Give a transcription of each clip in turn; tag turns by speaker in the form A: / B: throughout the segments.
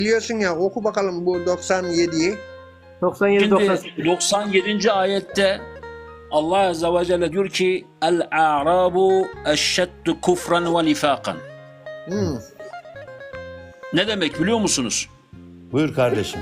A: Biliyorsun ya, oku bakalım bu 97'yi.
B: 97
C: Şimdi
B: 98.
C: 97. ayette Allah Azze ve Celle diyor ki El-a'rabu eşşeddu kufran ve nifakan. Ne demek biliyor musunuz?
D: Buyur kardeşim.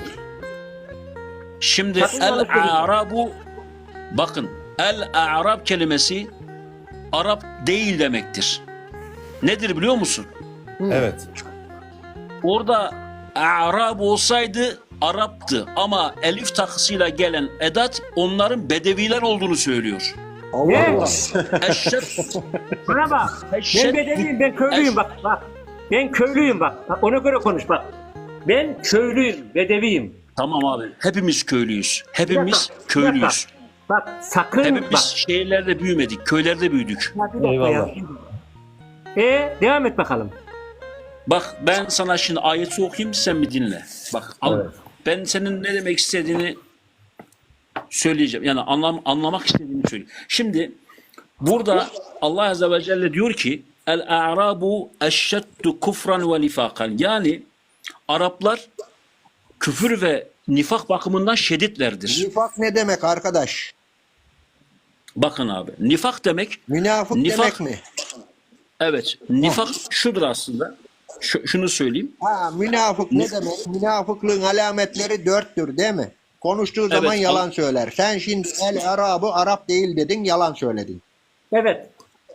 C: Şimdi
B: Sakıncalı
C: el-a'rabu, bakın, el-a'rab kelimesi Arap değil demektir. Nedir biliyor musun?
D: Evet.
C: Orada a'rab olsaydı Arap'tı ama elif takısıyla gelen edat onların bedeviler olduğunu söylüyor.
B: Ne?
C: Eşşed,
B: Bana bak. Ben
C: eşşed,
B: bedeliyim, ben köylüyüm bak. Ben köylüyüm bak. Ona göre konuş bak. Ben köylüyüm, bedeviyim.
C: Tamam abi. Hepimiz köylüyüz. Hepimiz
B: Bir dakika,
C: köylüyüz.
B: Bak sakın
C: Hepimiz
B: bak.
C: şehirlerde büyümedik. Köylerde büyüdük.
B: Ya bir dakika
D: Eyvallah.
B: ya. Devam et bakalım.
C: Bak ben sana şimdi ayeti okuyayım, sen bir dinle. Bak
D: Evet.
C: ben senin ne demek istediğini söyleyeceğim. Yani anlamak istediğini söyleyeyim. Şimdi burada Allah Azze ve Celle diyor ki El-a'rabu eşşeddu kufran ve nifakan. Yani Araplar küfür ve nifak bakımından şeditlerdir.
A: Nifak ne demek arkadaş?
C: Bakın abi, nifak demek,
A: Münafık demek mi?
C: evet, nifak şudur aslında. Şunu söyleyeyim.
A: Ha, münafık ne demek? Münafıklığın alametleri 4'tür değil mi? Konuştuğu zaman
C: Evet,
A: yalan söyler. Sen şimdi el Arabı Arap değil dedin, yalan söyledin.
B: Evet.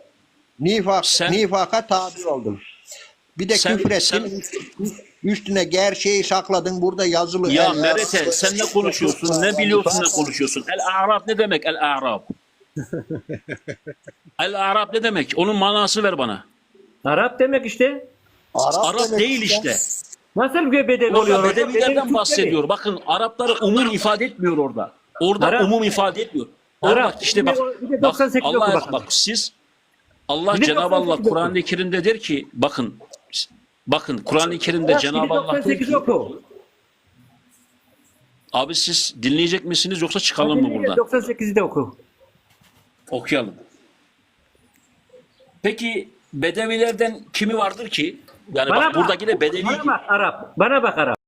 A: Nifaka tabi oldun. Bir de
C: Sen-
A: küfür ettin. Üstüne gerçeği sakladın. Burada yazılı.
C: Ya
A: el
C: Merete,
A: Arabı-
C: sen ne konuşuyorsun, ne biliyorsun, ne konuşuyorsun? El-a'rab ne demek el-a'rab? El-a'rab ne demek? Onun manası ver bana.
B: Arap demek işte.
C: Arap
A: demek
C: değil işte.
B: Nasıl bir bedevi oluyor?
C: Orada
B: Bedevi
C: bedevilerden
B: Türkleri.
C: bahsediyor. Bakın Arapları umum ifade etmiyor orada. Orada
B: Arap-
C: umum ifade etmiyor. Orada
B: Arap.
C: bak işte bak.
B: Bir de
C: Bak
B: 98 oku
C: Allah
B: bakalım.
C: bak siz Allah
B: Bir de
C: Cenab-ı Allah
B: 98 oku.
C: Kur'an-ı Kerim'de der ki bakın Kur'an-ı Kerim'de
B: Ya,
C: Cenab-ı Allah der
B: 98
C: ki
B: oku.
C: abi siz dinleyecek misiniz yoksa çıkalım mı buradan?
B: 98'i de oku.
C: Okuyalım. Peki Bedevilerden kimi vardır ki? Yani
B: Bana
C: bak buradaki de Bedevi
B: Bana bak Arap. Bana bak Arap.